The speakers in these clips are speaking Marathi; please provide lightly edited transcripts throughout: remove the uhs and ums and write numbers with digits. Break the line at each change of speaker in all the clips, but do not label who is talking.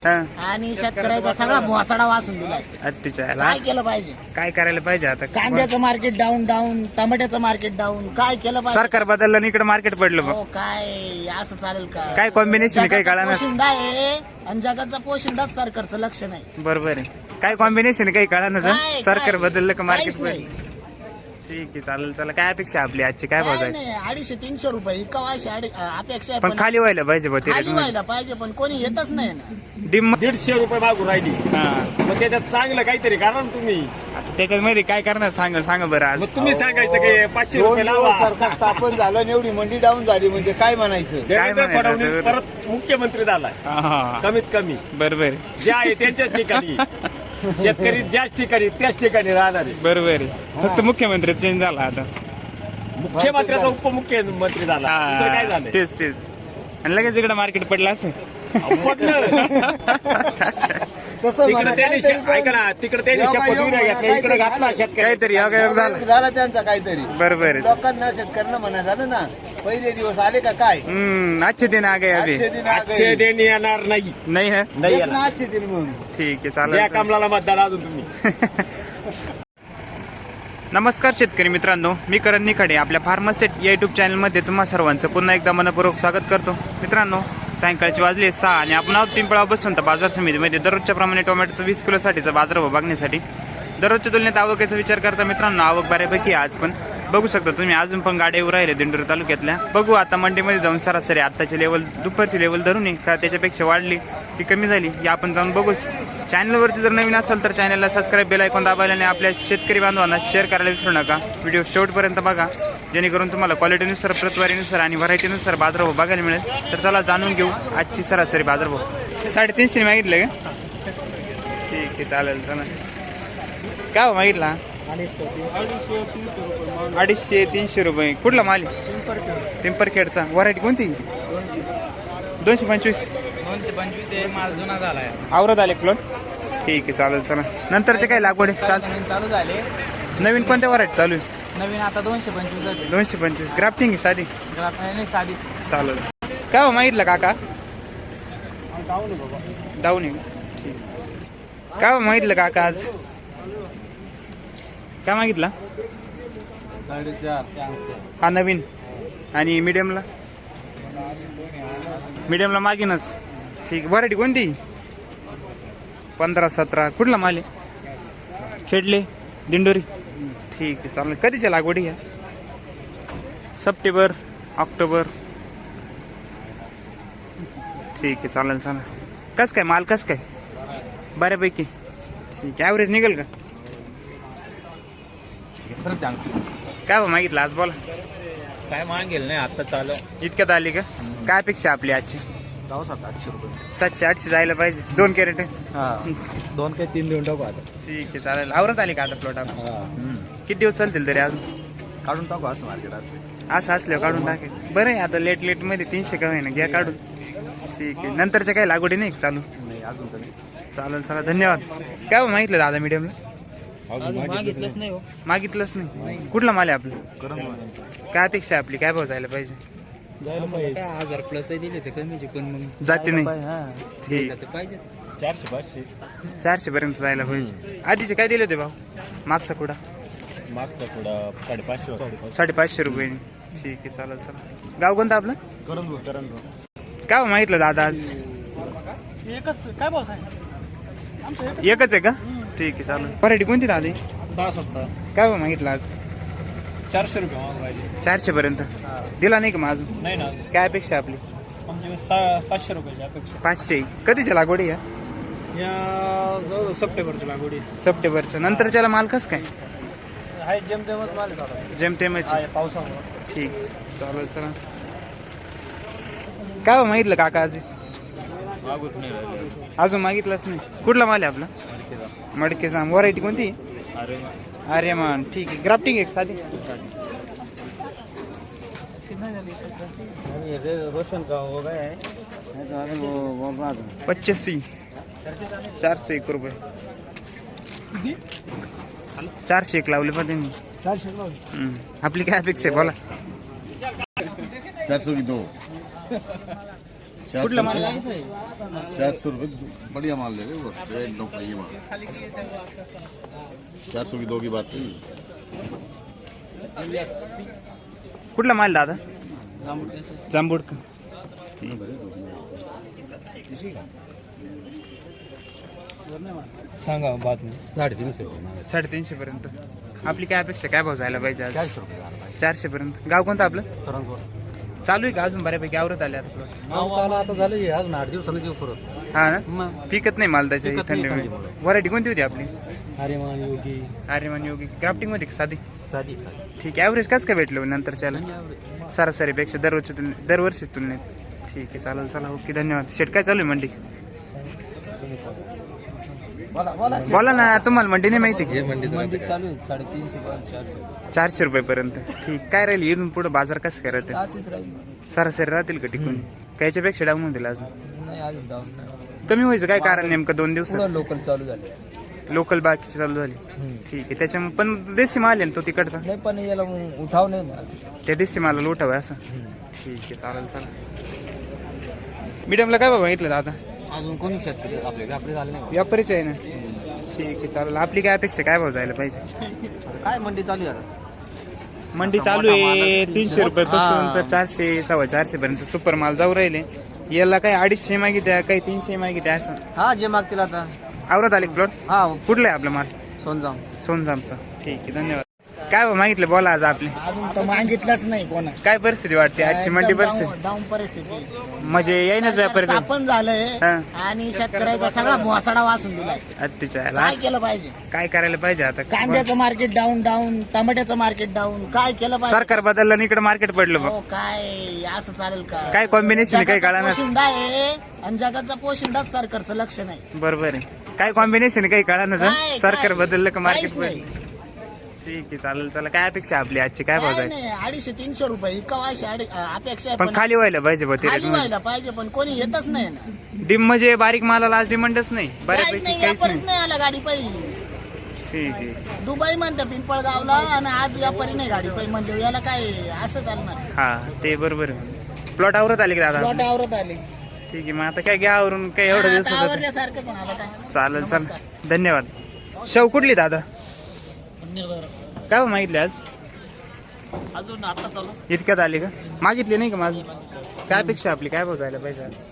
आणि शेतकऱ्याचा सगळा भोसाडा वाचून दिलाय. काय केलं पाहिजे?
काय करायला पाहिजे आता?
कांद्याचं मार्केट डाऊन डाऊन, टमाट्याचं मार्केट डाऊन. काय केलं पाहिजे?
सरकार बदललं आणि इकडे मार्केट पडलं.
हो, काय असं चालेल का?
काय कॉम्बिनेशन काही कळा ना.
पोशिंदा आहे आणि जगाचा पोशिंदाच सरकारचं लक्ष नाही.
बरोबर आहे. काय कॉम्बिनेशन काही कळा ना. सरकार बदललं का मार्केट
काहीच नाही.
पडलं? ठीक आहे, चालेल. चला, काय अपेक्षा आपली आजची? काय भाव
काय
आहे?
नाही, 250-300 रुपये कवाशी अपेक्षा आहे.
पण खाली व्हायला पाहिजे बा ते.
खाली व्हायला पाहिजे, पण कोणी येतच नाही ना.
डिम
150 रुपये मागून राहिली. मग त्याच्यात चांगलं काहीतरी कारण तुम्ही.
आता त्याच्यामध्ये काय करणार? सांगा बरं आज.
मग तुम्ही सांगायचं की 500 रुपये लावा.
सरकार स्थापन झालं आणि एवढी मंडी डाऊन झाली म्हणजे काय म्हणायचं?
देवेंद्र
म्हणायचं?
फडणवीस परत मुख्यमंत्री झालाय.
हा,
कमीत कमी
बरोबर
जे आहे त्यांच्याच ठिकाणी. शेतकरी ज्याच ठिकाणी त्याच ठिकाणी राहणार आहे.
बरोबर आहे. फक्त मुख्यमंत्री चेंज झाला आता.
मुख्यमंत्र्याचा उपमुख्यमंत्री झाला. दुसरं काय झालं?
तेच आणि लगेच इकडे मार्केट पडलं असं.
तसं
तिकडे
म्हणा,
त्यांनी
काहीतरी
ऐका ना, तिकडे त्यांनी शपथविधी घेतला, इकडे घातला शेतकरी.
काहीतरी योगायोग झाला.
झाला त्यांचा काहीतरी.
बरोबर आहे.
लोकांना शेतकऱ्यांना म्हणा झालं ना, पहिले दिवस आले का काय?
अच्छे दिन आ गए अभी.
आजचे दिन आ गए.
आजचे दिन येणार नाही.
नाही है.
नाही
एक
येणार.
ना आजचे दिन म्हणून.
ठीक आहे,
या
चालेल.
कमलाला मतदान अजून तुम्ही.
नमस्कार शेतकरी मित्रांनो, मी करण निखाडे आपल्या फार्मासेट या युट्यूब चॅनलमध्ये तुम्हा सर्वांचं पुन्हा एकदा मनपूर्वक स्वागत करतो. मित्रांनो, सायंकाळचे वाजले 6 आणि आपण आहोत पिंपळा बसवंत बाजार समितीमध्ये दररोजच्या प्रमाणे टोमॅटोचं 20 किलोसाठीचा बाजारभाव बघण्यासाठी. दररोजच्या तुलनेत आवकेचा विचार करता मित्रांनो, आवक बऱ्यापैकी आज पण बघू शकता तुम्ही. अजून पण गाड्या येऊ राहिले दिंडोरी तालुक्यातल्या. बघू आता मंडीमध्ये जाऊन सरासरी आत्ताची लेवल, दुपारची लेवल धरून आहे का त्याच्यापेक्षा वाढली की कमी झाली हे आपण जाऊन बघू. चॅनलवरती जर नवीन असेल तर चॅनलला सबस्क्राईब, बेल आयकॉन दाबायला आणि आपल्या शेतकरी बांधवांना शेअर करायला विसरू नका. व्हिडिओ शेवटपर्यंत बघा जेणेकरून तुम्हाला क्वालिटीनुसार, प्रतवारीनुसार आणि व्हरायटीनुसार बाजारभाव बघायला मिळेल. तर चला जाणून घेऊ आजची सरासरी बाजारभाव. 350 मागितलं का? ठीक आहे, चालेल. चला, काय हो मागितला? 250-300 रुपये. कुठला माल? पिंपरखेडचा. व्हरायटी कोणती? 225.
225 माल जुना झालाय.
आवरत आले प्लॉट. ठीक आहे, चालेल. चला, नंतरचे काय लागवड आहे?
नवीन चालू झाले.
नवीन कोणत्या व्हरायटी चालू आहे?
नवीन आता 225 होते.
225. ग्राफ्टिंग आहे साधी?
नाही साधी.
चालेल. काय हो मागितलं काका? डाऊन आहे. ठीक. काय हो मागितलं काका आज? काय मागितला?
4.5.
हा नवीन. आणि मीडियमला? मीडियमला मागीनच. ठीक. व्हरायटी कोणती? 15-17. कुठला माल आहे? खेडले, दिंडोरी. ठीक आहे, चालेल. कधीच्या लागवडी घ्या? September, October. ठीक आहे, चालेल. कस काय माल? कस काय? बऱ्यापैकी. ठीक आहे. ॲव्हरेज निघेल का? काय हो मागितलं आज? बोला.
काय मागेल नाही आता चालू.
इतक्यात आली का? काय अपेक्षा आपली आजची?
700 रुपये.
700-800 जायला पाहिजे. 2 कॅरेट.
2 काही 3 देऊन टाकू आता.
ठीक आहे, चालेल. आवरत आली का आता प्लॉट आपण? किती दिवस चालतील तरी अजून?
काढून टाकू असं मार्केट.
असं असल्यावर काढून टाकायचं. बरं आहे, आता लेट मध्ये 300 का होईना घ्या काढून. ठीक आहे. नंतरच्या काही लागवडी नाही चालू?
नाही अजून तरी.
चालेल. चला, धन्यवाद. काय हो मागितलं दादा मीडियमला?
मागितलंच नाही हो.
मागितलंच नाही. कुठला माल आहे आपलं? काय अपेक्षा आहे आपली? काय भाव जायला पाहिजे?
1000 प्लस दिले ते कमीचे, पण मग
जाते नाही. ठीक.
पाहिजे.
400-500.
400 पर्यंत जायला पाहिजे. आधीचे काय दिले होते भाव? मागचा कुडा?
मागचा थोडा 550.
550 रुपये. ठीक आहे, चालेल. चला, गाव कोणतं आपलं?
करण.
काय हो मागितलं दादा आज?
एकच काय भाव आहे?
एकच आहे का? ठीक आहे, चालेल. व्हरायटी कोणती दादा?
10-17.
काय हो मागितलं आज?
400 रुपये मागून राहिले.
400 पर्यंत दिला नाही का मग अजून?
नाही ना,
काय अपेक्षा आपली?
म्हणजे 500 रुपयाची अपेक्षा.
500. कधीच्या लागवडी या?
या सप्टेंबरची लागवडी.
सप्टेंबरच्या नंतरच्याला माल कस काय?
आहे जेमतेमच माल आहे.
जेमतेमच.
पावसामुळे.
ठीक, चालेल. चला, काय हो मागितलं काका आज?
मागूच नाही राहिले.
अजून मागितलंच नाही. कुठला माल आहे आपला? मडकेचा. व्हरायटी कोणती? अरे मान. ठीक आहे. ग्राफ्टिंग एक साधी?
रोशन का हो गया है?
85. 401 रुपये. 401 लावले पण त्यांनी.
400 लावले.
आपली काय अपेक्षा आहे? बोला.
402.
कुठला माल?
400 रुपये बढ़िया माल ले रहे हो, रेट नो ये माल 400 की 2 की बात नहीं।
कुठला माल दादा? जांबूड का?
सांगा बात नाही 350
350 पर्यंत. आपली काय अपेक्षा, काय भाव जायला पाहिजे आज? 400 पर्यंत. गाव कोणतं आपलं? चालू आहे का अजून बऱ्यापैकी आवरत आले आता plot?
आता झालं अजून 8 दिवसानं जीव परत
हा ना, पिकत नाही माल त्याच्या थंडीमुळे. व्हरायटी कोणती होती आपली?
आर्यमान योगी
आर्यमान योगी. ग्राफ्टिंग मध्ये का साधी?
साधी
ठीक आहे. ॲव्हरेज कसं काय भेटलं नंतरच्याला सरासरीपेक्षा दरवर्षी तुलनेत? ठीक आहे, चालेल. चला, ओके, धन्यवाद. शेट काय चालू आहे मंडी? बोला ना, तुम्हाला मंडी नाही माहिती का?
मंदी चालू आहे 350 400
400 रुपये पर्यंत. ठीक. काय राहील इथून पुढे बाजार कसं काय राहते?
असेच राहील
सरासरी राहतील का टिकून? कायच्यापेक्षा डाऊन होतील अजून?
नाही अजून डाऊन नाही
कमी व्हायचं काय कारण नेमकं 2 दिवसात?
लोकल चालू झाले
लोकल बाकीची चालू झाली. ठीक आहे. त्याच्यामुळे पण देशी माल आहे ना तो तिकडचा?
नाही पण याला उठाव नाही ना
त्या देशी मालाला उठावं असं? ठीक आहे, चालेल. चला, मीडियमला काय बाबा घेतलं दादा?
अजून कोणी शेतकरी आपले व्यापारी झाले नाही
व्यापारीच आहे ना? ठीक आहे, चालेल. आपली काय अपेक्षा, काय भाव जायला पाहिजे?
काय मंडी चालू आहे
मंडी चालू आहे 300 रुपये पासून तर 400 450 पर्यंत सुपर माल जाऊ राहिले. याला काही 250 मागित्या, काही 300 मागित्या असं.
हा जे मागतील आता.
आवरत आले प्लॉट?
हा
कुठला आहे आपला माल?
सोनजाम.
सोनजामचा. ठीक आहे, धन्यवाद. काय भाव मागितलं बोला आज आपले?
अजून तर मागितलंच नाही कोणा.
काय परिस्थिती वाटते आजची मंडी परिस्थिती?
डाऊन परिस्थिती
म्हणजे येईनच व्यापारी
स्थापन झालंय
हा.
आणि शेतकऱ्याचा सगळा भोसाडा वाचून दिलाय.
अत्तीच्या
काय केलं पाहिजे?
काय करायला पाहिजे आता?
कांद्याचं मार्केट डाऊन टमाट्याचं मार्केट डाऊन. काय केलं पाहिजे?
सरकार बदललं आणि इकडे मार्केट पडलं बघ.
हो, काय असं चालेल का?
काय कॉम्बिनेशन काही
जगाचा
काळा
पोशिंदा आहे आणि जगाचा पोशिंदाच सरकारचं लक्ष नाही.
बरोबर आहे. काय कॉम्बिनेशन काही काळा
काय-
सरकार बदललं का मार्केट
काहीच नाही.
पडलं? ठीक आहे, चालेल. चला, काय अपेक्षा आपली आजची, काय भाव
काय
जाईल?
नाही 250-300 रुपये इकावायची अपेक्षा आहे,
पण खाली व्हायला पाहिजे बा
खाली
ते.
व्हायला पाहिजे पण कोणी येतच नाही ना.
डिम म्हणजे बारीक मालाला आज डिमांडच नाही
काहीच
बऱ्यापैकी,
नाही,
काहीच
व्यापारीच
नाही.
नाही आला गाडी पायी.
ठीक आहे.
दुबई म्हणतं पिंपळगावला आणि आज व्यापारी नाही गाडी पायी म्हणजे याला काय असं चालणार?
हा, ते बरोबर आहे. प्लॉट आवरत आले की दादा?
प्लॉट आवरत आले.
ठीक आहे, मग आता काय घ्या आवरून, काय एवढं दिवस होतं.
आवरल्यासारखं कोणाला काय.
चालेल. चल, धन्यवाद. शेव कुठली दादा? काय भाव मागितले आज?
अजून आता चालू
इतक्यात आले का? मागितले नाही का माझं? काय अपेक्षा आपली, काय भाव जायला पाहिजे आज?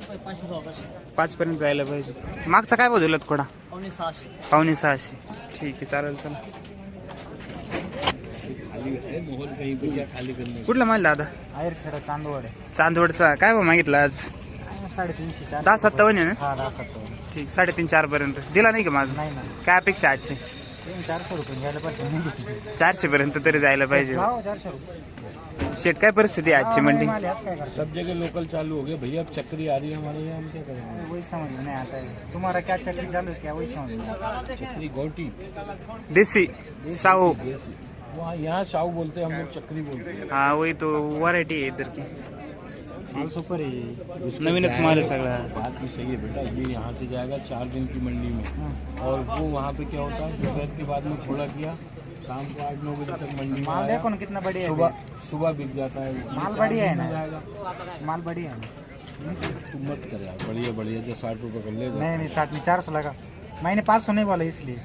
5 पर्यंत जायला पाहिजे. मागचा काय भाव दिला थोडा? 5,600. ठीक आहे, चालेल. चला, कुठला माल दादा?
आयरखेडा चांदवड
चांदवडचा. काय भाव मागितला आज?
350
10,57 आहे ना?
10
ठीक. 3.5-4 पर्यंत दिला नाही का माझं?
नाही ना
काय अपेक्षा आजची?
400 रुपये घ्यायला पाहिजे
400 पर्यंत तरी जायला पाहिजे.
400 रुपये
शेट, काय परिस्थिती आहे आजची मंडी?
सब जगह लोकल चालू हो गए भैया, अब चक्री आ रही है हमारे यहाँ, हम क्या करेंगे?
वही समझ में नहीं आता है तुम्हारा क्या चक्री चालू है क्या वही समझ में
चक्री गोटी
देसी साहू.
वहाँ यहाँ साहू बोलते हैं, हम लोग चक्री बोलते हैं।
हाँ, वही तो वैरायटी है इधर की.
माल सुपर है
नवीनच माल है सगळा.
बात भी सही है बेटा, ये यहाँ से जाएगा 4 दिन की मंडी में, और वो वहाँ पे क्या होता है, दोपहर के बाद में थोड़ा किया, शाम को 8-9 बजे तक मंडी में
माल
आया,
देखो ना कितना बढ़िया है
सुबह बिक जाता है।
माल बढ़िया है ना?
जाएगा
माल बढ़िया है
तुम मत कर यार, बढ़िया बढ़िया जो 60 रुपये कर ले।
नहीं 60 में 400 लगा, मैंने 500 नहीं बोला इसलिए।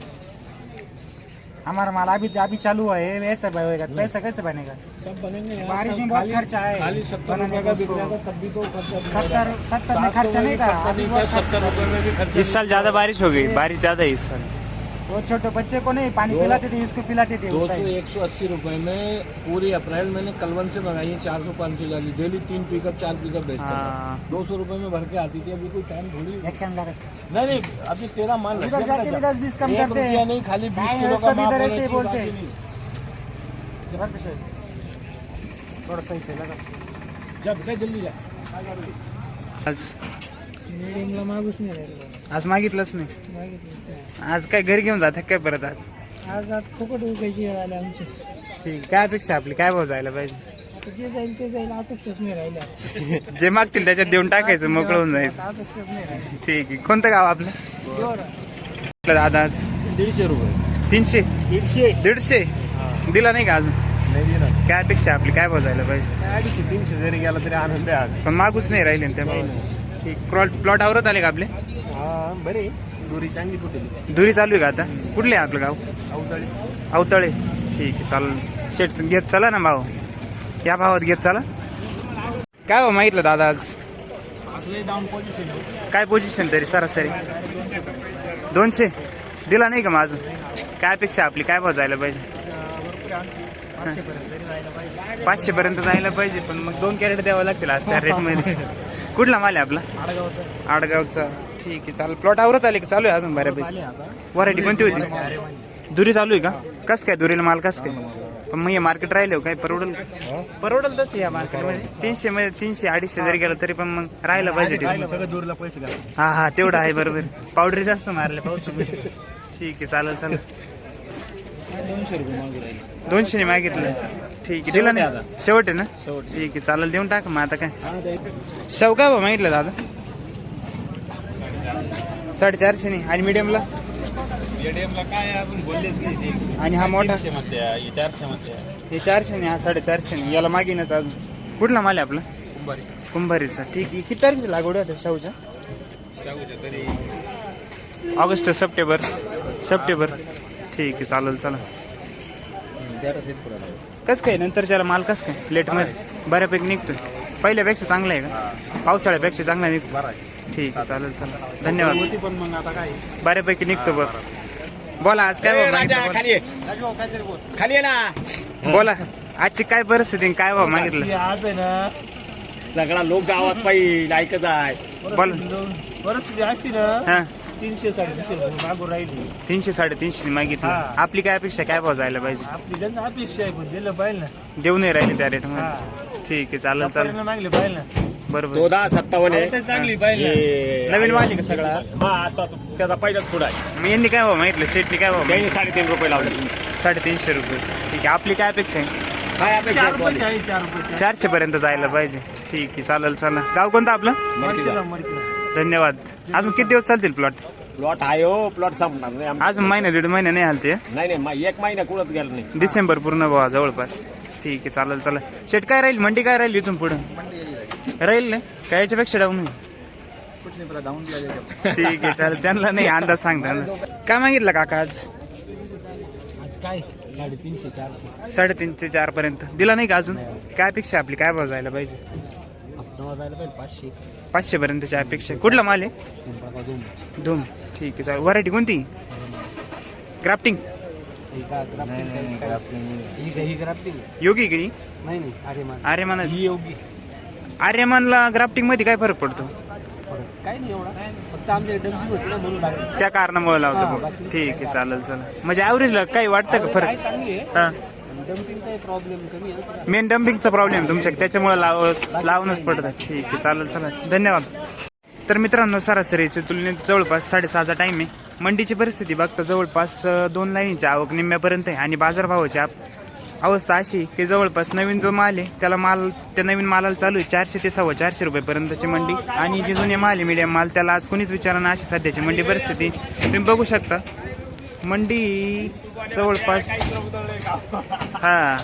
हमारा माल अभी चालू हुआ है, ऐसा होएगा पैसा कैसे बनेगा?
सब बनेंगे यार,
बारिश
सब
में बहुत
खाली-
खर्चा है।
खाली 70 रुपये का बिक जाएगा तब भी तो खर्चा
70 में खर्चा नहीं था, अभी बहुत
70 रुपये में भी खर्चा।
इस साल ज्यादा बारिश हो गई, बारिश ज्यादा है इस साल.
वो छोटे बच्चे को नहीं पानी पिलाते थे, इसको पिलाते थे
200-180 रुपए में पूरी अप्रैल मैंने कलवन से मंगाई है, 400-500 जाली डेली, 3 पिकअप 4 पिकअप बेचता था।
हाँ।
200 रुपए में भर के आती थी, अभी कोई टाइम थोड़ी।
एक के अंदर
नहीं अभी तेरा माल
उधर जाके भी 10-20 कम
एक
करते हैं।
रुपया नहीं, खाली 20
नहीं,
किलो का
सब
माल
इधर
होना
ऐसे ही
चाहिए,
बोलते
बाकी
हैं।
नहीं।
थोड़ा सही से लगा
जा बेटा जल्दी जा।
आज
मीडियमला मागूच नाही राहिलं
आज मागितलंच नाही. आज काय घरी घेऊन जात काय परत आज?
आज फुकट उगायची वेळ आली आमची.
ठीक. काय अपेक्षा आपली, काय भाव जायला पाहिजे?
आता जे जाईल ते जाईल, अपेक्षाच नाही राहिल्या.
जे मागतील त्याच्यात देऊन टाकायचं, मोकळं होऊन जायचं.
अपेक्षाच नाही राहिल्या.
ठीक आहे. कोणतं गाव आपलं दादा? आज
150 रुपये
300
150
150 दिला नाही का अजून?
नहीं दिला
काय अपेक्षा आपली काय भाव जायला पाहिजे?
250-300 जरी गेला तरी आनंद आहे आज.
पण मागूच नाही राहिले ना त्या ठीक. प्लॉट आवरत आले का आपले?
हा बरे दोरी चांगली कुठे
दुरी चालू आहे का आता? कुठले आहे आपलं गाव?
अवतळी.
अवतळे. ठीक आहे चालेल. शेट घेत चला ना भाव, या भावात घेत चला. काय भाव मागितलं दादा आज?
डाऊन पोझिशन
काय पोझिशन तरी सरासरी? 200 दिला नाही का मग अजून? काय अपेक्षा आपली काय भाव जायला पाहिजे? 500 पर्यंत जायला पाहिजे. पण मग 2 कॅरेट द्यावं लागतील आज त्या रेट मध्ये. कुठला माल आहे आपला? आडगावचा. ठीक आहे चालेल. प्लॉट आवरत आले का चालू आहे अजून बऱ्यापैकी? व्हरायटी कोणती होती? दुरी चालू आहे का? कस काय दुरीला माल कस काय? पण मग हे मार्केट राहिले काय परवडल? परवडल तसं या मार्केटमध्ये 300 मध्ये 300-250 जरी गेलं तरी पण मग राहिलं पाहिजे. हा हा तेवढं आहे बरोबर. पावडरी जास्त मारले पावसामध्ये. ठीक आहे चालेल चालेल. 200 ने मागितलं. ठीक आहे दिला नाही शेवट आहे ना? ठीक आहे चालेल देऊन टाक मग आता काय. शेव काय भाव मागितलं दादा? 450 ने. आणि मीडियमला?
काय अजून बोललेच नाही.
आणि हा मोठा?
400 मध्ये.
हे 400 ने, हा 450 ने. याला मागीनच अजून. कुठला माल आहे आपला? कुंभारीचा. ठीक आहे. किती तारखेची लागवड होते शाहूच्या? August September. ठीक आहे चालेल चला. कस काय नंतरच्याला माल कस काय लेट मध्ये बऱ्यापैकी निघतोय? पहिल्यापेक्षा चांगला आहे का? पावसाळ्यापेक्षा चांगला निघतो? ठीक आहे चालेल चला धन्यवाद.
पण मग आता काय
बऱ्यापैकी निघतो बघ. बोला आज काय भाव मागितलं?
खाली आहे ना.
बोला आजची काय परिस्थिती काय भाव मागितलं?
आज आहे ना सगळा लोक गावात पाहिजे ऐकत आहे.
बोला
परिस्थिती अशी ना
हा
300-350 मागून राहिली.
300-350 मागितलं. आपली काय अपेक्षा काय भाव जायला पाहिजे?
आपली त्यांना अपेक्षा आहे पण दिलं पाहिजे ना.
देऊ नाही राहिले त्या रेट मध्ये. ठीक आहे चालेल चालेल
मागले पाहिजे ना.
बरोबर.
1457 चांगली पाहिजे.
नवीन माल आहे का सगळा?
आता त्याचा पहिलाच पुढा आहे.
मग यांनी काय भाव मागितलं? सेटनी काय भाव?
त्यांनी 3.5 रुपये लावले.
350 रुपये. ठीक आहे आपली काय अपेक्षा आहे?
काय अपेक्षा आहे? 4 रुपये.
400 पर्यंत जायला पाहिजे. ठीक आहे चालेल चला. गाव कोणतं आपलं? धन्यवाद. अजून किती दिवस चालतील प्लॉट?
प्लॉट आहे हो. प्लॉट संपणार नाही.
अजून महिना 1.5 महिना नाही हालते.
नाही 1 महिना कुळत गेला नाही.
डिसेंबर पूर्ण भावा जवळपास. ठीक आहे चालेल चला. शेट काय राहील? मंडी काय राहील इथून पुढे? राहील ना काय याच्यापेक्षा डाऊन? ठीक आहे चालेल. त्यांना नाही अंदाज सांगता ना. काय मागितलं काका आज?
काय 350-400
3.5 ते 4 पर्यंत दिला नाही का अजून? काय अपेक्षा आपली काय भाव जायला पाहिजे?
जायला पाहिजे
500 पर्यंतची अपेक्षा. कुठला माल आहे?
500.
धूम. ठीक आहे चालेल. व्हरायटी कोणती? ग्राफ्टिंग योगी की आर्यमान? आर्यमानला ग्राफ्टिंग मध्ये काय फरक पडतो?
काय नाही एवढा. फक्त आमच्या डंपिंग होती ना म्हणून लागलं.
त्या कारणामुळे लावतो. ठीक आहे चालेल चला. म्हणजे ऍव्हरेजला काही वाटतं का फरक?
चांगली आहे.
हा
डंपिंगचा प्रॉब्लेम कमी आहे.
मेन डम्पिंगचा प्रॉब्लेम तुमच्या त्याच्यामुळे लावूनच पडतं. ठीक आहे चालेल चला धन्यवाद. तर मित्रांनो सरासरीच्या तुलनेत जवळपास 6:30चा टाइम आहे. मंडीची परिस्थिती बघता जवळपास 2 लाईनीची आवक निम्म्यापर्यंत आहे. आणि बाजारभावाची अवस्था अशी की जवळपास नवीन जो माल आहे त्या नवीन मालाला चालू आहे 400 ते 450 रुपयेपर्यंतची मंडी. आणि जे जुने माल आहे मीडियम माल त्याला आज कोणीच विचारणार अशी सध्याची मंडी परिस्थिती तुम्ही बघू शकता. मंडी जवळपास हा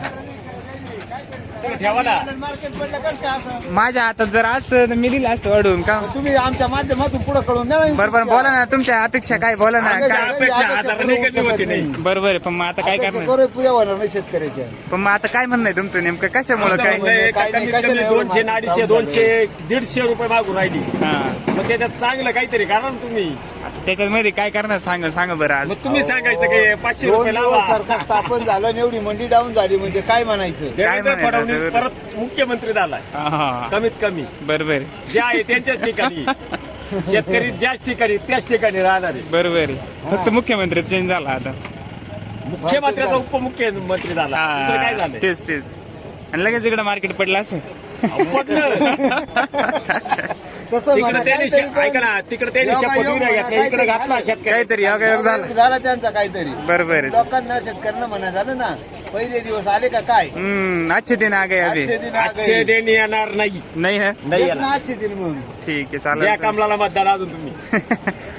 मार्केट पडलं कसं काय असं?
माझ्या हातात जर असतं तर मी दिलं असतं वाढवून का?
तुम्ही आमच्या माध्यमातून पुढे कळून द्या.
बरोबर बोला ना तुमच्या अपेक्षा काय बोला ना काय? बरोबर आहे. पण मग आता काय करणार?
पुऱ्या होणार नाही शेतकऱ्याच्या.
पण मग आता काय म्हणणं आहे तुमचं नेमकं कशामुळे काय?
200-250 200-150 रुपये मागून राहिली.
हा
मग त्याच्यात चांगलं काहीतरी कारण तुम्ही
आता त्याच्यामध्ये काय करणार सांगा बरं आज.
मग तुम्ही सांगायचं की 500
दोन
रुपये
दिवस
लावा.
सरकार स्थापन झालं आणि एवढी मंडी डाऊन झाली म्हणजे काय म्हणायचं?
देवेंद्र
म्हणायचं?
फडणवीस परत मुख्यमंत्री झालाय.
हा
कमीत कमी
बरोबर
जे आहे त्यांच्याच ठिकाणी शेतकरी ज्याच ठिकाणी त्याच ठिकाणी राहणार आहे.
बरोबर आहे. फक्त मुख्यमंत्री चेंज झाला आता.
मुख्यमंत्र्याचा उपमुख्यमंत्री झाला. दुसरं काय झालं?
तेच आणि लगेच इकडे मार्केट पडलं असं.
तसं
तिकडे
म्हणा,
त्यांनी
काहीतरी
ऐका ना तिकडे त्यांनी शपथविधी घेतला इकडे घातला शेतकरी.
काहीतरी योगायोग झाला.
झाला त्यांचा काहीतरी.
बरोबर आहे.
लोकांना शेतकऱ्यांना म्हणा झालं ना पहिले दिवस आले का काय?
अच्छे दिन आ गए अभी.
आजचे दिन आ गए.
आजचे दिन येणार नाही.
नाही ना?
नाही
तेच
येणार.
ना आजचे दिन मग.
ठीक आहे
या
चालेल.
कमलाला मतदान अजून तुम्ही